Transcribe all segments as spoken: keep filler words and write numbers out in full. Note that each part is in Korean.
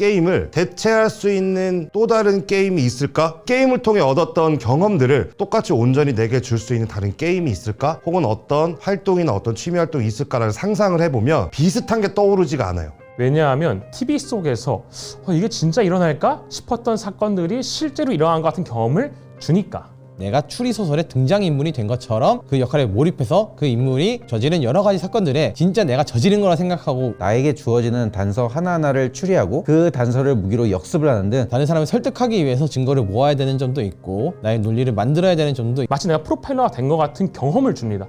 게임을 대체할 수 있는 또 다른 게임이 있을까? 게임을 통해 얻었던 경험들을 똑같이 온전히 내게 줄 수 있는 다른 게임이 있을까? 혹은 어떤 활동이나 어떤 취미 활동이 있을까라는 상상을 해보면 비슷한 게 떠오르지가 않아요. 왜냐하면 티비 속에서 어, 이게 진짜 일어날까 싶었던 사건들이 실제로 일어난 것 같은 경험을 주니까. 내가 추리소설의 등장인물이 된 것처럼 그 역할에 몰입해서 그 인물이 저지른 여러 가지 사건들에 진짜 내가 저지른 거라 생각하고 나에게 주어지는 단서 하나하나를 추리하고 그 단서를 무기로 역습을 하는 등 다른 사람을 설득하기 위해서 증거를 모아야 되는 점도 있고 나의 논리를 만들어야 되는 점도 있고 마치 내가 프로파일러가 된 것 같은 경험을 줍니다.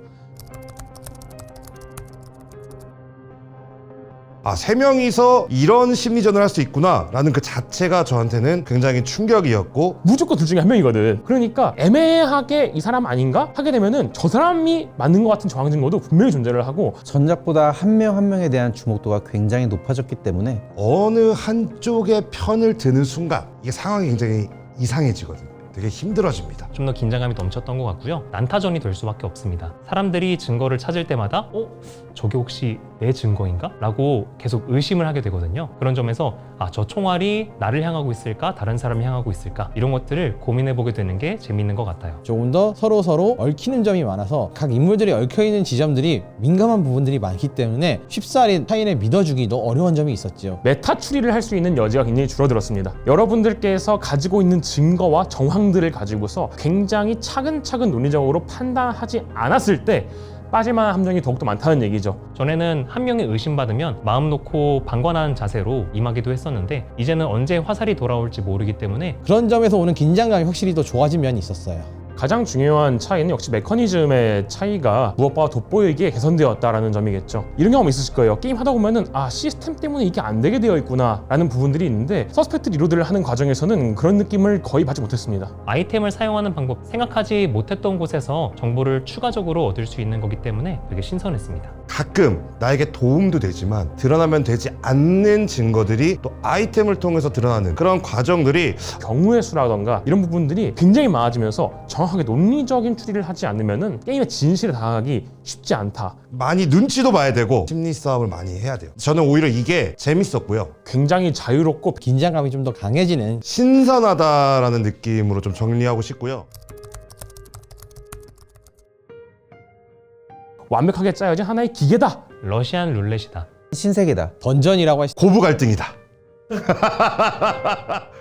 아, 세 명이서 이런 심리전을 할 수 있구나 라는 그 자체가 저한테는 굉장히 충격이었고, 무조건 둘 중에 한 명이거든. 그러니까 애매하게 이 사람 아닌가 하게 되면은 저 사람이 맞는 것 같은 저항 증거도 분명히 존재를 하고, 전작보다 한 명 한 명에 대한 주목도가 굉장히 높아졌기 때문에 어느 한쪽의 편을 드는 순간 이게 상황이 굉장히 이상해지거든요. 되게 힘들어집니다. 좀 더 긴장감이 넘쳤던 것 같고요. 난타전이 될 수밖에 없습니다. 사람들이 증거를 찾을 때마다 어? 저게 혹시 내 증거인가? 라고 계속 의심을 하게 되거든요. 그런 점에서 아, 저 총알이 나를 향하고 있을까? 다른 사람을 향하고 있을까? 이런 것들을 고민해보게 되는 게 재밌는 것 같아요. 조금 더 서로 서로 얽히는 점이 많아서 각 인물들이 얽혀있는 지점들이 민감한 부분들이 많기 때문에 쉽사리 타인을 믿어주기도 어려운 점이 있었죠. 메타 추리를 할 수 있는 여지가 굉장히 줄어들었습니다. 여러분들께서 가지고 있는 증거와 정황들을 가지고서 굉장히 차근차근 논리적으로 판단하지 않았을 때 빠질만한 함정이 더욱더 많다는 얘기죠. 전에는 한 명이 의심받으면 마음 놓고 방관한 자세로 임하기도 했었는데 이제는 언제 화살이 돌아올지 모르기 때문에 그런 점에서 오는 긴장감이 확실히 더 좋아진 면이 있었어요. 가장 중요한 차이는 역시 메커니즘의 차이가 무엇보다 돋보이게 개선되었다라는 점이겠죠. 이런 경험 있으실 거예요. 게임 하다 보면은 아, 시스템 때문에 이게 안 되게 되어 있구나 라는 부분들이 있는데 서스펙트 리로드를 하는 과정에서는 그런 느낌을 거의 받지 못했습니다. 아이템을 사용하는 방법, 생각하지 못했던 곳에서 정보를 추가적으로 얻을 수 있는 거기 때문에 되게 신선했습니다. 가끔 나에게 도움도 되지만 드러나면 되지 않는 증거들이 또 아이템을 통해서 드러나는 그런 과정들이 경우의 수라던가 이런 부분들이 굉장히 많아지면서 정확하게 논리적인 추리를 하지 않으면은 게임의 진실에 다가가기 쉽지 않다. 많이 눈치도 봐야 되고 심리 싸움을 많이 해야 돼요. 저는 오히려 이게 재밌었고요. 굉장히 자유롭고 긴장감이 좀 더 강해지는 신선하다라는 느낌으로 좀 정리하고 싶고요. 완벽하게 짜여진 하나의 기계다. 러시안 룰렛이다. 신세계다. 던전이라고 할 수... 고부 갈등이다.